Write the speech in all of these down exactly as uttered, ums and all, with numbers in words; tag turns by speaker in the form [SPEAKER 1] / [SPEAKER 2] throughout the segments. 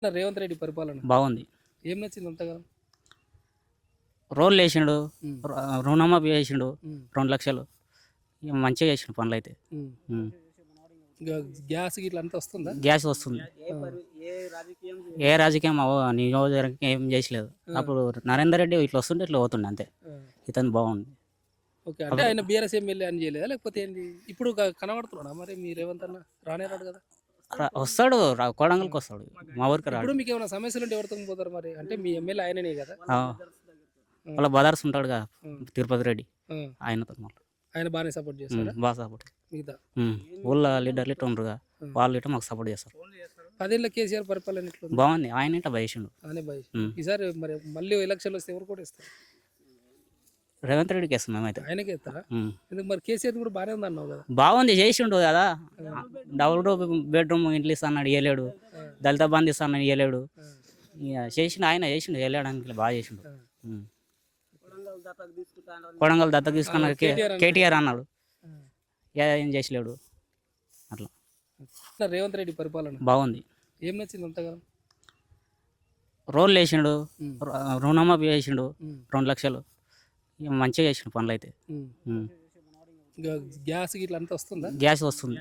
[SPEAKER 1] రేవంత్ రెడ్డి పరిపాలన
[SPEAKER 2] బాగుంది.
[SPEAKER 1] ఏం నచ్చింది అంతగానం?
[SPEAKER 2] రోడ్లు వేసిండు,
[SPEAKER 1] ఉమ్,
[SPEAKER 2] రు- రుణమాఫీ చేసిండు,
[SPEAKER 1] ఉమ్,
[SPEAKER 2] రెండు లక్షలు ఇక మంచిగా చేసిండు పనులు అయితే.
[SPEAKER 1] ఉమ్.
[SPEAKER 2] ఉమ్.
[SPEAKER 1] ఇంకా గ్యాస్ గిట్ల అంతా వస్తుందా?
[SPEAKER 2] గ్యాస్ వస్తుంది. ఏ రాజకీయం అవ- నియోజకవర్గం ఏం చేసలేదు. అప్పుడు నరేందర్ రెడ్డి ఇట్లా వస్తుంటే ఇట్లా పోతుండే అంతే.
[SPEAKER 1] ఆ,
[SPEAKER 2] ఇతను బాగుంది.
[SPEAKER 1] ఓకే. అంటే ఆయన బీఆర్ఎస్ ఎమ్మెల్యే అని చేయలేదా, లేకపోతే ఏంది? ఇప్పుడు క- కనబడుతున్నాడా మరి మీ రేవంత్ అన్న? రానే రాడు కదా.
[SPEAKER 2] రా- వస్తాడు రా- కోడంగల్కి వస్తాడు, మా ఊరికి రాడు.
[SPEAKER 1] ఇప్పుడు మీకు ఏమైనా సమస్యలు ఉంటే ఎవరితో పోతారు మరి? అంటే మీ ఎమ్మెల్యే ఆయననే కదా.
[SPEAKER 2] ఆ. వాళ్ళ బదార్స్ ఉంటాడుగా
[SPEAKER 1] ఉమ్,
[SPEAKER 2] తిరుపతి రెడ్డి,
[SPEAKER 1] ఉమ్.
[SPEAKER 2] ఆయనతో మళ్ళీ
[SPEAKER 1] ఆయన బాగానే సపోర్ట్ చేస్తాడా
[SPEAKER 2] బాగా సపోర్ట్.
[SPEAKER 1] మిగతా?
[SPEAKER 2] ఊళ్ళో లీడర్లు ఇట్లా ఉండరుగా,
[SPEAKER 1] ఉమ్.
[SPEAKER 2] వాళ్ళు ఇట్లా మాకు సపోర్ట్ చేస్తారు.
[SPEAKER 1] పదేళ్ళ కేసీఆర్ పరిపాలన ఎట్లుంది?
[SPEAKER 2] బాగుంది. ఆయన ఇట్లా బయసిండు.
[SPEAKER 1] అనే భయ.
[SPEAKER 2] ఉమ్.
[SPEAKER 1] ఈసారి మరి మళ్ళీ ఎలక్షన్లు వస్తే ఎవరు కూడా ఇస్తారు?
[SPEAKER 2] రేవంత్ రెడ్డికి వేస్తాం మేమైతే.
[SPEAKER 1] ఆయనకే ఇస్తారా?
[SPEAKER 2] ఉమ్.
[SPEAKER 1] ఎందుకు మరి కేసీఆర్ కూడా బాగానే ఉంది అన్నావు కదా.
[SPEAKER 2] బాగుంది, చేసిండు కదా. డబుల్ బెడ్రూమ్ ఇంట్లో ఇస్తాను ఇవ్వలేడు, దళిత బంధు ఇస్తాను ఇవ్వలేడు.
[SPEAKER 1] ఆ,
[SPEAKER 2] ఇక చేసిండు, ఆయన చేసిండు, వెళ్ళడానికి బాగా చేసిండు.
[SPEAKER 1] ఆ.
[SPEAKER 2] ఉమ్. కొడంగల్ దత్తత తీసుకున్న కే-
[SPEAKER 1] కేటీఆర్
[SPEAKER 2] కేటీఆర్ అన్నాడు,
[SPEAKER 1] ఆ.
[SPEAKER 2] ఏ- ఏం చేసలేడు. అట్లా
[SPEAKER 1] ఇట్లా రేవంత్ రెడ్డి పరిపాలన
[SPEAKER 2] బాగుంది.
[SPEAKER 1] ఏం నచ్చింది అంతగానం?
[SPEAKER 2] రోడ్లు వేసిండు,
[SPEAKER 1] ఉమ్,
[SPEAKER 2] రు- రుణమాఫీ చేసిండు,
[SPEAKER 1] ఉమ్,
[SPEAKER 2] రెండు లక్షలు ఇక మంచిగా చేసిండు పనులు అయితే.
[SPEAKER 1] ఉమ్.
[SPEAKER 2] ఉమ్.
[SPEAKER 1] ఇంకా గ్యాస్ గిట్ల అంతా వస్తుందా?
[SPEAKER 2] గ్యాస్ వస్తుంది.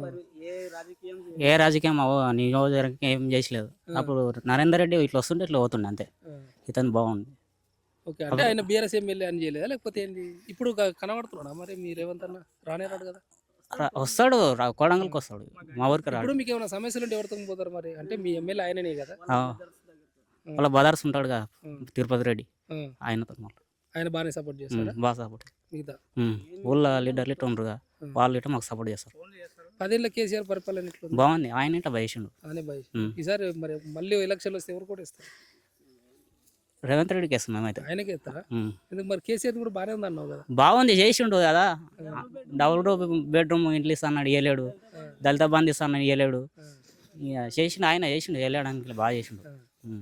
[SPEAKER 2] ఏ రాజకీయం అవ- నియోజకవర్గం ఏం చేసలేదు. అప్పుడు నరేందర్ రెడ్డి ఇట్లా వస్తుంటే ఇట్లా పోతుండే అంతే.
[SPEAKER 1] ఆ,
[SPEAKER 2] ఇతను బాగుంది.
[SPEAKER 1] ఓకే. అంటే ఆయన బీఆర్ఎస్ ఎమ్మెల్యే అని చేయలేదా, లేకపోతే ఏంది? ఇప్పుడు క- కనబడుతున్నాడా మరి మీ రేవంత్ అన్న? రానే రాడు కదా.
[SPEAKER 2] రా- వస్తాడు రా- కోడంగల్కి వస్తాడు, మా ఊరికి రాడు.
[SPEAKER 1] ఇప్పుడు మీకు ఏమైనా సమస్యలు ఉంటే ఎవరితో పోతారు మరి? అంటే మీ ఎమ్మెల్యే ఆయననే కదా.
[SPEAKER 2] ఆ. వాళ్ళ బదార్స్ ఉంటాడుగా
[SPEAKER 1] ఉమ్,
[SPEAKER 2] తిరుపతి రెడ్డి,
[SPEAKER 1] ఉమ్.
[SPEAKER 2] ఆయనతో మళ్ళీ
[SPEAKER 1] ఆయన బాగానే సపోర్ట్ చేస్తాడా
[SPEAKER 2] బాగా సపోర్ట్.
[SPEAKER 1] మిగతా?
[SPEAKER 2] ఊళ్ళో లీడర్లు ఇట్లా ఉండరుగా, వాళ్ళు ఇట్లా మాకు సపోర్ట్ చేస్తారు.
[SPEAKER 1] పదేళ్ళ కేసీఆర్ పరిపాలన ఎట్లుంది?
[SPEAKER 2] బాగుంది. ఆయన ఇట్లా బయసిండు.
[SPEAKER 1] అనే భయ.
[SPEAKER 2] ఉమ్.
[SPEAKER 1] ఈసారి మరి మళ్ళీ ఎలక్షన్లు వస్తే ఎవరు కూడా ఇస్తారు?
[SPEAKER 2] రేవంత్ రెడ్డికి వేస్తాం మేమైతే.
[SPEAKER 1] ఆయనకే ఇస్తారా?
[SPEAKER 2] ఉమ్.
[SPEAKER 1] ఎందుకు మరి కేసీఆర్ కూడా బాగానే ఉంది అన్నావు కదా.
[SPEAKER 2] బాగుంది, చేసిండు కదా. డబుల్ బెడ్రూమ్ ఇంట్లో ఇస్తాను ఇవ్వలేడు, దళిత బంధు ఇస్తాను ఇవ్వలేడు.
[SPEAKER 1] ఆ,
[SPEAKER 2] ఇక చేసిండు, ఆయన చేసిండు, వెళ్ళడానికి బాగా చేసిండు.
[SPEAKER 1] ఆ.
[SPEAKER 2] ఉమ్.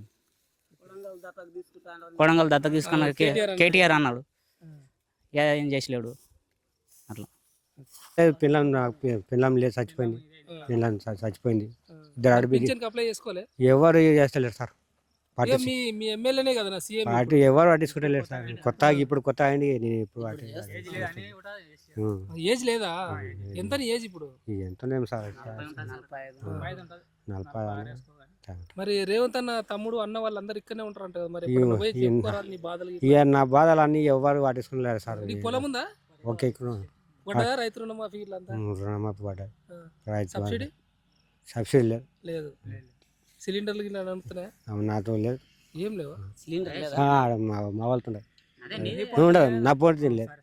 [SPEAKER 2] కొడంగల్ దత్తత తీసుకున్న కే-
[SPEAKER 1] కేటీఆర్
[SPEAKER 2] కేటీఆర్ అన్నాడు,
[SPEAKER 1] ఆ,
[SPEAKER 2] ఏ- ఏం చేసలేడు. అట్లా
[SPEAKER 3] పిల్లం నాకు పి- పిల్లం లేదు, చచ్చిపోయింది. పిల్లం చ- చచ్చిపోయింది.
[SPEAKER 1] ఆ.
[SPEAKER 3] ఇద్దరు ఆడబిడ్డ
[SPEAKER 1] పింఛన్కి అప్లై చేసుకోలే?
[SPEAKER 3] ఎవరు చేస్తలేరు సార్. పార్టీ
[SPEAKER 1] ఇక మీ మీ ఎమ్మెల్యేనే కదా నా సీఎం.
[SPEAKER 3] పార్టీ ఎవరు పట్టించుకుంటలేరు సార్. కొత్త ఇప్పుడు కొత్త అయింది, నేను ఇప్పుడు వాటి ఉం.
[SPEAKER 1] ఏజ్ లేదా? ఎంత నీ ఏజ్ ఇప్పుడు?
[SPEAKER 3] ఇక ఎంతనేం సార్, నలభై
[SPEAKER 1] మరి రేవంత్ అన్న తమ్ముడు అన్న వాళ్ళందరూ ఇక్కడనే ఉంటారంట కదా. మరి
[SPEAKER 3] ఇయ్యో,
[SPEAKER 1] ఎప్పుడన్నా పోయి
[SPEAKER 3] ఈయన-
[SPEAKER 1] చెప్పుకోరాదు నీ బాధలు గిట్ల?
[SPEAKER 3] ఇక నా బాధలు అన్నీ ఎవరు పట్టించుకోలేరు సార్.
[SPEAKER 1] నీకు పొలం ఉందా?
[SPEAKER 3] ఓకే, ఇక్కడ
[SPEAKER 1] పడ్డదా రైతు రుణమాఫీ ఇట్లా అంతా?
[SPEAKER 3] ఉం, రుణమాఫీ పడ్డారు.
[SPEAKER 1] ఆ.
[SPEAKER 3] రైతు
[SPEAKER 1] సబ్సిడీ
[SPEAKER 3] సబ్సిడీ లేదు.
[SPEAKER 1] లేదు. సిలిండర్లు గిట్ల నడుపుతున్నాయా?
[SPEAKER 3] అవి నాతో లేదు.
[SPEAKER 1] ఏం లేవు.
[SPEAKER 2] సిలిండర్
[SPEAKER 3] ఆ, మా మా వాళ్ళతో ఉండదు. ఉండదు, నా పోటీ లేదు.